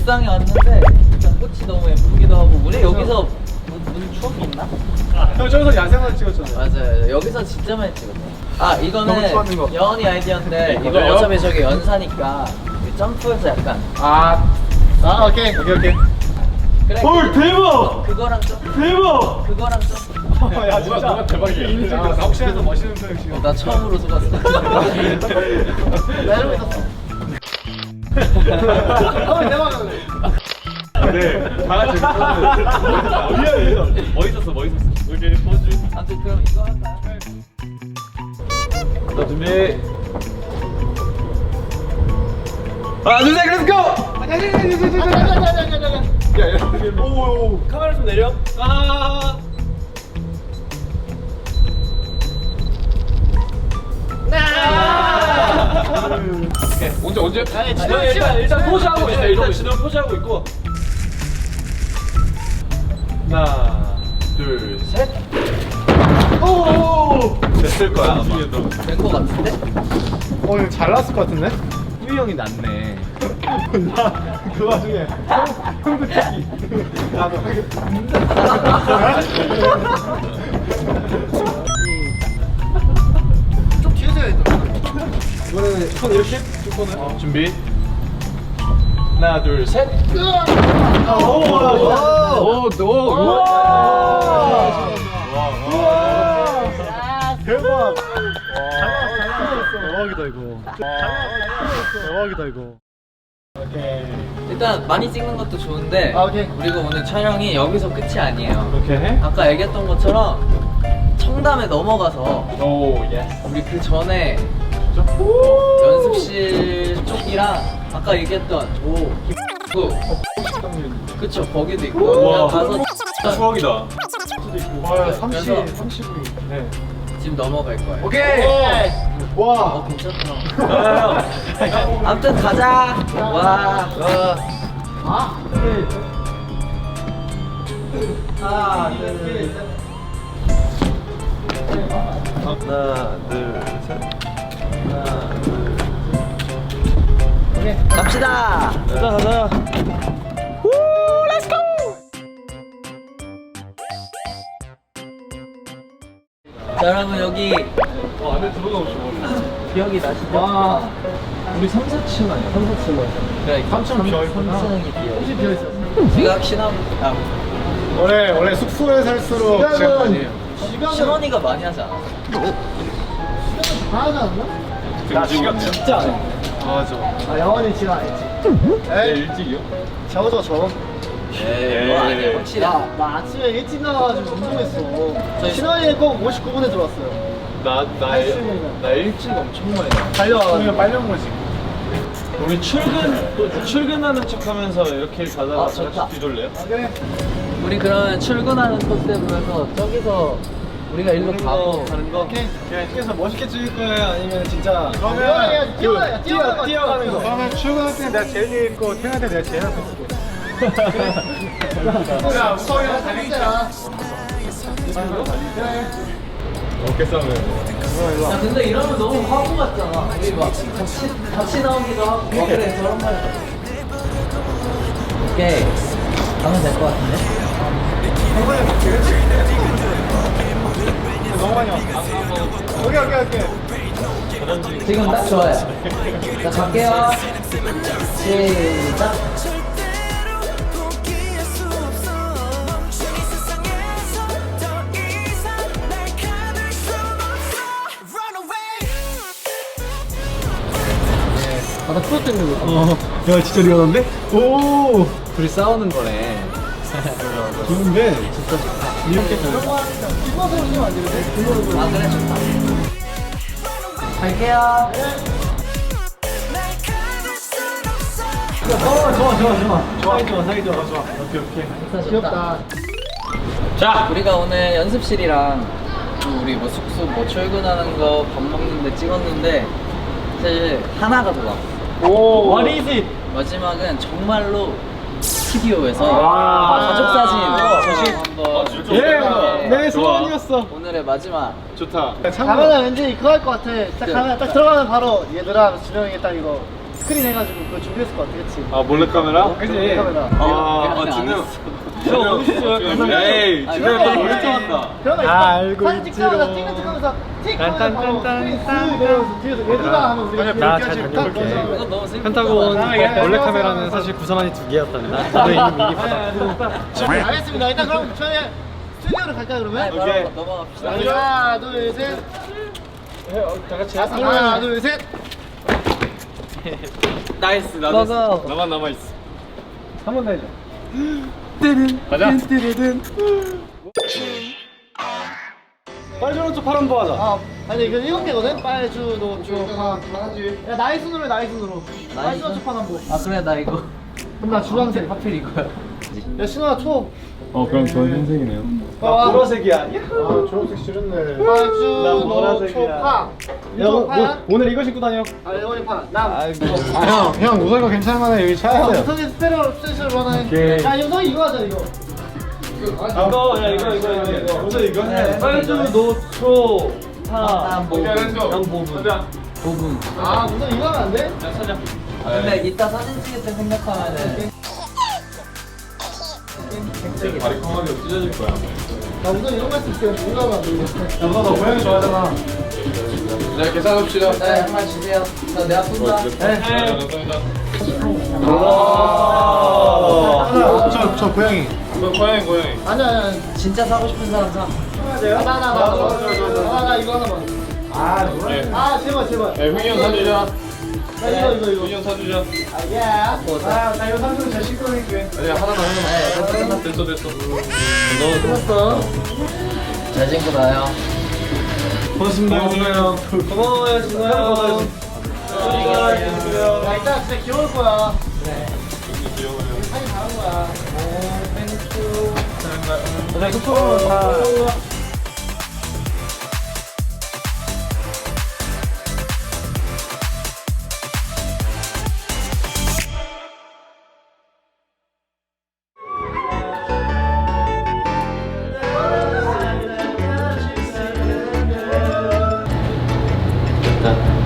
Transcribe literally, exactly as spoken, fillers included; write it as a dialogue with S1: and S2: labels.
S1: 옥상에 왔는데 일단 꽃이 너무 예쁘기도 하고 우리 여기서 무슨 추억이 있나?
S2: 형 저기서 야생화 찍었잖아요.
S1: 맞아요. 여기서 진짜 많이 찍었네. 아 이거는
S2: 너무 좋아하는 거.
S1: 여원이 아이디어인데 이거
S2: 이거요?
S1: 어차피 저기 연사니까 점프해서 약간
S2: 아, 아 오케이 오케이 오케이.
S1: 그래.
S2: 헐 대박!
S1: 그거랑 점프.
S2: 대박!
S1: 그거랑 점프.
S2: 야 진짜 뭐가 대박이야. 이미 찍었어. 혹시라도 멋있는 표현 지금.
S1: 나 처음으로 속았어.
S2: 나 이러고 있었어. 어 대박. 네, 다 같이 미안해. 멋있었어, 멋있었어. 오케이, 포즈.
S1: 아무튼 그럼 이거 할까요?
S2: 자, 준비. 하나, 둘, 셋, 렛츠고! 야, 야, 오, 카메라 좀 내려. 아. 오케이, 언제 언제? 아니, 진호 일단 일단 포즈하고 있어. 일단 진호 포즈하고 있고. 하나, 둘, 셋. 오! 됐을 거야 아마.
S1: 된 거 같은데?
S2: 어, 이거 잘 나왔을 것 같은데? 후이 형이 낫네. 나 그 와중에 형, 형도 찍기. 나도 하겠다. 좀 뒤에서 해야겠다. 이번에는 손 이렇게? 쭉 손을. 어, 준비. 하나, 둘, 셋. 오! 오! 오! 오! 대박! 잘 나왔어. 대박이다 이거. 대박이다 이거. 오케이.
S1: 일단 많이 찍는 것도 좋은데
S2: 아, 오케이.
S1: 그리고 오늘 촬영이 여기서 끝이 아니에요.
S2: 오케이.
S1: 아까 얘기했던 것처럼 청담에 넘어가서
S2: 오, 예스.
S1: 우리 그 전에 연습실 쪽이랑 아까 얘기했던 오 그, 그쵸 거기도 있고
S2: 우와.
S1: 그냥 가서
S2: 추억이다. 와, 삼십,
S1: 그래서
S2: 삼십 분. 네.
S1: 지금 넘어갈 거예요.
S2: 오케이.
S1: 어
S2: 와.
S1: 괜찮다. 아무튼 가자. 와.
S2: 아.
S1: 하나 둘 셋.
S2: 하나, 둘, 셋.
S1: 하나 둘 셋. 오케이 갑시다.
S2: 가자, 가자.
S1: 자 여러분 여기
S2: 어, 안에 들어가고 싶어.
S1: 기억이 나시죠?
S2: 와. 우리 삼, 사 층 아니야? 삼, 사 층 맞아.
S1: 그래
S2: 삼 층 비어있구나.
S1: 삼 층이 비어.
S2: 혹시 비어있어?
S1: 지각 신혼 아
S2: 원래, 원래 숙소에 살수록 시간 아니에요.
S1: 신혼이가 많이 하지 않아?
S2: 다 하지 않나? 나 시간 진짜 안 해. 맞아. 아, 영원히 지각 안 했지. 에이, 일찍이요? 저거 저.
S1: 에이 뭐 아니야 확실히.
S3: 야, 나 아침에 일찍 나와가지고 운동했어.
S1: 저희-
S3: 신원이에 꼭 오십구 분에 들어왔어요.
S2: 나, 나,
S3: 아침에는.
S2: 나 일찍 엄청 많이 나.
S3: 달려와가지고.
S2: 우리가 빨리 온 거지. 우리 출근, 출근하는 척 하면서 이렇게 가다가
S1: 아, 좋다.
S2: 같이 뒤돌래요?
S3: 그래.
S1: 우리 그러면 출근하는 컨셉으로 해서 저기서 우리가 일로 가고
S2: 가는 거? 오케이. 그래서 멋있게 찍을 거예요? 아니면 진짜.
S3: 뛰어가야, 뛰어가야, 뛰어가야,
S2: 뛰어가는 거.
S3: 뛰어가는 거.
S2: 그러면 출근할 때 내가 제일 위에 있고, 퇴근할 때 내가 제일 앞에 있을게. 야, 우성이랑 달리자. 어깨 싸움을.
S1: 야 근데 이러면 너무 화보 같잖아. 우리 막 같이 같이 나오기도 하고 막 그래 저런 말. 오케이 가면 될 것 같은데.
S2: 너무 많이 왔어. 오케이, 오케이, 오케이.
S1: 지금 딱 좋아요. 자 갈게요. 시작.
S3: 아, 나 프로 때문에 그래.
S2: 어, 야, 진짜 리얼한데? 오!
S1: 둘이 싸우는 거네.
S2: 좋은데? 진짜 이렇게
S3: 뒷모습 오시면 안 되는데? 뒷모습.
S1: 아 그래 좋다. 갈게요.
S2: 어, 좋아, 좋아, 좋아. 좋아, 좋아, 사이 좋아, 좋아. 오케이, 오케이.
S1: 좋다, 좋다.
S3: 귀엽다.
S1: 자 우리가 오늘 연습실이랑 또 우리 뭐 숙소 뭐 출근하는 거 밥 먹는데 찍었는데 사실 하나가 더 남았어.
S2: 오, what is it?
S1: 마지막은 정말로 스튜디오에서
S2: 와.
S1: 가족 사진
S2: 아,
S1: 한번
S2: 진짜?
S1: 찍어볼게.
S2: 예, 내 소원이었어.
S1: 오늘의 마지막.
S2: 좋다.
S3: 가면은 왠지 그거 할 것 같아. 딱 가면 딱 들어가면 바로 얘들아 준영이 딱 이거 스크린 해가지고 그거 준비했을 것 같아, 그치?
S2: 아 몰래카메라?
S3: 그치? 카메라.
S2: 아, 아 진우. 진우. 에이, 진우 딱 몰래 찍었다.
S3: 그런 거 있어.
S4: 알고
S3: 사진 찍자마자
S4: 있지롱.
S3: 찍는 척하면서 찍 하면서 바로
S4: 딴딴딴딴.
S3: 스크린 쓱 내려오면서 뒤에서 얘들아 하면 우리가
S4: 나
S3: 이렇게
S4: 잘
S3: 하지.
S4: 다녀올게.
S1: 이건 너무 슬픈
S4: 펜타곤
S1: 거다.
S4: 몰래카메라는 사실 구성안이 두 개였단다. 나도 이미 미리 받았고.
S3: 알겠습니다. 일단 그럼 저희 스튜디오로 갈까요, 그러면?
S1: 네, 바로 넘어갑시다.
S3: 하나, 둘, 셋.
S2: 다 같이.
S3: 하나, 둘, 셋.
S1: 나이스, 나도. 먹어.
S2: 나만 남아 있어.
S4: 한 번 더 해줘.
S2: 가자. 빨주노 쪽 파란 거 하자.
S3: 아, 아니 이거 일곱 개거든? 빨주, 노초, 파. 야, 나이 순으로 해, 나이 순으로. 빨주, 노초, 파, 남보.
S1: 아, 그래, 나 이거.
S3: 그럼 나 주황색.
S1: 하필 이거야.
S3: 야, 신호야, 초.
S2: 어 그럼 좋은 흰색이네요.
S3: 아,
S2: 보라색이야.
S3: 아, 초록색 싫은데. 빨주,
S2: 난
S3: 노초,
S2: 보라색이야.
S3: 파. 유초, 파야?
S4: 오늘 이거 신고 다녀.
S3: 아, 일본이 파. 남.
S4: 아, 형, 형 우선 이거 괜찮을만해. 여기
S3: 아,
S4: 차야 돼.
S3: 우선이 스페셜, 스페셜 하나
S4: 오케이.
S3: 해. 야, 유성이 이거 하자, 이거.
S2: 이거 야 이거 이거 이거 이거. 우선 이거 해.
S1: 빨주,
S2: 노초
S1: 파.
S2: 양보분.
S1: 부분.
S3: 아, 우선 이거 하면 안 돼?
S1: 아, 근데 이따 사진 찍을 때 생각하면은.
S2: 바리콩하게 찢어질 거야.
S3: 나 우선 이런 거 했을 때 이거 하면 안 돼.
S2: 야, 너 고양이 좋아하잖아. 네, 계산합시다.
S1: 네, 한 말 주세요. 나 내가 쏜다. 네.
S3: 저, 저 고양이.
S2: 고양이 고양이.
S3: 아니야, 아니야.
S1: 진짜 사고 싶은 사람 사.
S3: 나, 나, 나, 나, 나, 나 이거 하나만.
S2: 아, 노래.
S3: 아, 제발, 제발.
S2: 네, 횡이 형 사주자.
S3: 나 이거, 이거, 이거.
S2: 횡이 형 사주자.
S3: 아, 예. 아, 나 이거 삼성 잘 씻고 있게.
S2: 아니야, 하나만 하나만. 됐어, 됐어. 너
S3: 끝났어.
S1: 잘 신고 나요.
S2: 고맙습니다, 진우 형. 고마워요, 진우 형.
S3: 야, 이따 진짜 귀여울 거야.
S2: 귀여워요.
S3: 사진 다른 거야.
S4: 나 소통으로 다.
S1: 됐다.